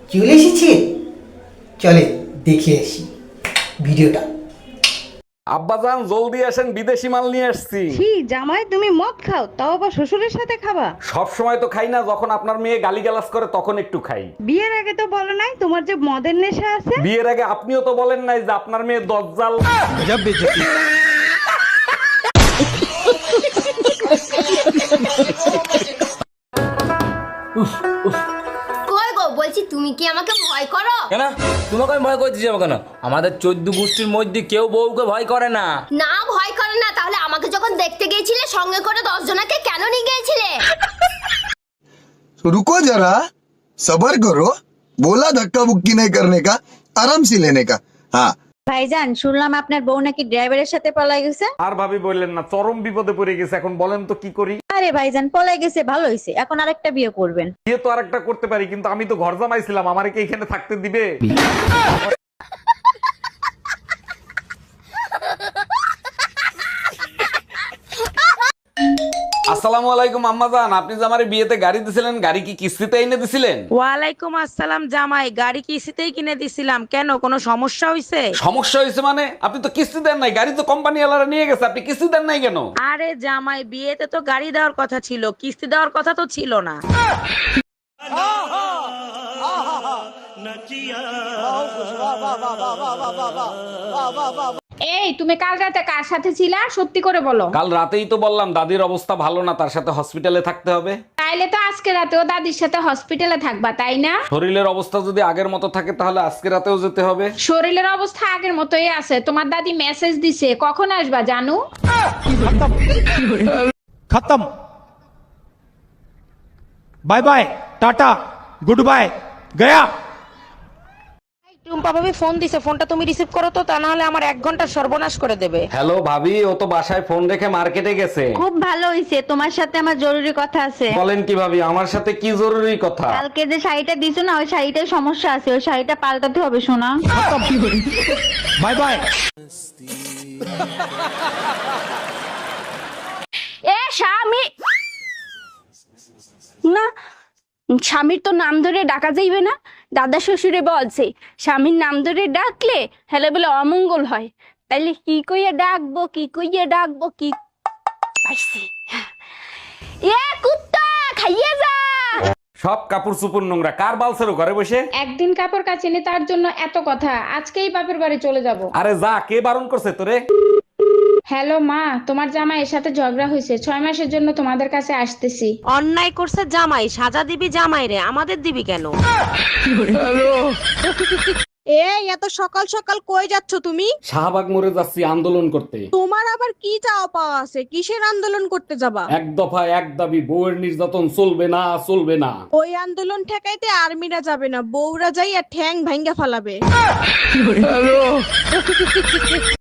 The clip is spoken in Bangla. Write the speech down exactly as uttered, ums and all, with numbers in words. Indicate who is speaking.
Speaker 1: চলে এসেছে, চলে দেখে আসি ভিডিওটা।
Speaker 2: আব্বাজান জলদি আসেন, বিদেশি মাল নিয়ে আসছি।
Speaker 3: ছি জামাই, তুমি মদ খাও, তাও আবার শ্বশুরের সাথে খাবা?
Speaker 2: সব সময় তো খাই না, যখন আপনার মেয়ে গালিগালাজ করে তখন একটু খাই।
Speaker 3: বিয়ের আগে তো বলো নাই তোমার যে মদের নেশা আছে।
Speaker 2: বিয়ের আগে আপনিও তো বলেন নাই যে আপনার মেয়ে দজ্জাল।
Speaker 4: কই গো, বলছি তুমি কি আমাকে ভয় করো?
Speaker 5: কেন তোমাকে আমি ভয় করছি যাবো কেন? আমাদের চোদ্দ গোষ্ঠীর মধ্যে কেউ বউকে ভয় করে না।
Speaker 4: না ভয় করে না, তাহলে আমাকে যখন দেখতে গিয়েছিলে সঙ্গে করে দশ জনাকে কেন নিয়ে গিয়েছিলে?
Speaker 6: रुको जरा, सबर करो। बोला धक्का बुक्की नहीं करने का, आराम से लेने का। हाँ
Speaker 3: ভাইজান, শুনলাম আপনার বউ নাকি ড্রাইভারের সাথে পলাই গেছে।
Speaker 2: আর ভাবি বললেন না, চরম বিপদে পড়ে গেছে। এখন বলেন তো কি করি?
Speaker 3: আরে ভাইজান, পলাই গেছে ভালো হয়েছে, এখন আরেকটা বিয়ে করবেন।
Speaker 2: বিয়ে তো আরেকটা করতে পারি, কিন্তু আমি তো ঘর জামাইছিলাম, আমারে কি এখানে থাকতে দিবে? আসসালামু আলাইকুম আম্মাজান, আপনি যে আমারে বিয়েতে গাড়ি দিছিলেন, গাড়ি কি কিস্তিতে এনে দিছিলেন?
Speaker 7: ওয়ালাইকুম আসসালাম জামাই, গাড়ি কিস্তিতেই কিনে দিছিলাম। কেন, কোনো সমস্যা হয়েছে?
Speaker 2: সমস্যা হয়েছে মানে? আপনি তো কিস্তি দেন নাই, গাড়ি তো কোম্পানি ওয়ালারা নিয়ে গেছে, আপনি কিস্তি দেন নাই কেন?
Speaker 7: আরে জামাই, বিয়েতে তো গাড়ি দেওয়ার কথা ছিল, কিস্তি দেওয়ার কথা তো ছিল না।
Speaker 8: এই তুমি কাল রাতে কার সাথে ছিলা, সত্যি করে বলো।
Speaker 2: কাল রাতেই তো বললাম দাদির অবস্থা ভালো না, তার সাথে হসপিটালে থাকতে হবে।
Speaker 8: তাইলে তো আজকে রাতেও দাদির সাথে হসপিটালে থাকবা, তাই না?
Speaker 2: শরীরের অবস্থা যদি আগের মতো থাকে তাহলে আজকে রাতেও যেতে হবে।
Speaker 8: শরীরের অবস্থা আগের মতোই আছে, তোমার দাদি মেসেজ দিছে, কখন আসবা জানু?
Speaker 9: खत्म। Bye bye, tata, goodbye, गया।
Speaker 7: টুম্পা ভাবি ফোন দিছে, ফোনটা তুমি রিসিভ করো তো, তা না হলে আমার এক ঘন্টা সর্বনাশ করে দেবে।
Speaker 2: হ্যালো ভাবি, ও তো বাসায় ফোন রেখে মার্কেটে গেছে।
Speaker 3: খুব ভালো হয়েছে, তোমার সাথে আমার জরুরি কথা আছে।
Speaker 2: বলেন কি ভাবি, আমার সাথে কি জরুরি কথা?
Speaker 3: কালকে যে শাড়িটা দিছো না, ওই শাড়িটার সমস্যা আছে, ওই শাড়িটা পাল্টাতে হবে শোনা।
Speaker 9: Bye bye.
Speaker 4: এ স্বামী না, স্বামীর তো নাম ধরে ডাকা যাইবে না। দাদা শ্বশুরে বলছে স্বামীর নাম ধরে ডাকলে হেলে বলে অমঙ্গল হয়। তাইলে কি কইয়া ডাকবো, কি কইয়া ডাকবো, কি পাইছি। এ কুত্তা খাইয়ে যা।
Speaker 2: সব কাপড় চুপুর নোংরা, কার বালছেরো ঘরে বসে?
Speaker 8: একদিন কাপড় কাচিনি তার জন্য এত কথা, আজকেই বাপের বাড়ি চলে যাব।
Speaker 2: আরে যা, কে বারণ করছে তোরে?
Speaker 8: হ্যালো মা, তোমার জামাইয়ের সাথে ঝগড়া হয়েছে, ছয় মাসের জন্য তোমাদের কাছে আসতেছি।
Speaker 7: অন্যায় করছে জামাই, সাজা দিবি জামাই রে, আমাদের দিবি কেন?
Speaker 3: এই এত সকাল সকাল কই যাচ্ছ তুমি?
Speaker 2: শাহবাগ মোড়ে যাচ্ছি আন্দোলন করতে।
Speaker 3: তোমার আবার কি চাও পাওয়া আছে, কিসের আন্দোলন করতে যাবা?
Speaker 2: এক দফা এক দাবি, বউয়ের নির্যাতন চলবে না, চলবে না।
Speaker 3: ওই আন্দোলন ঠেকাইতে আর্মিরা যাবে না, বউরা যাই আর ঠ্যাং ভাঙ্গা ফালাবে।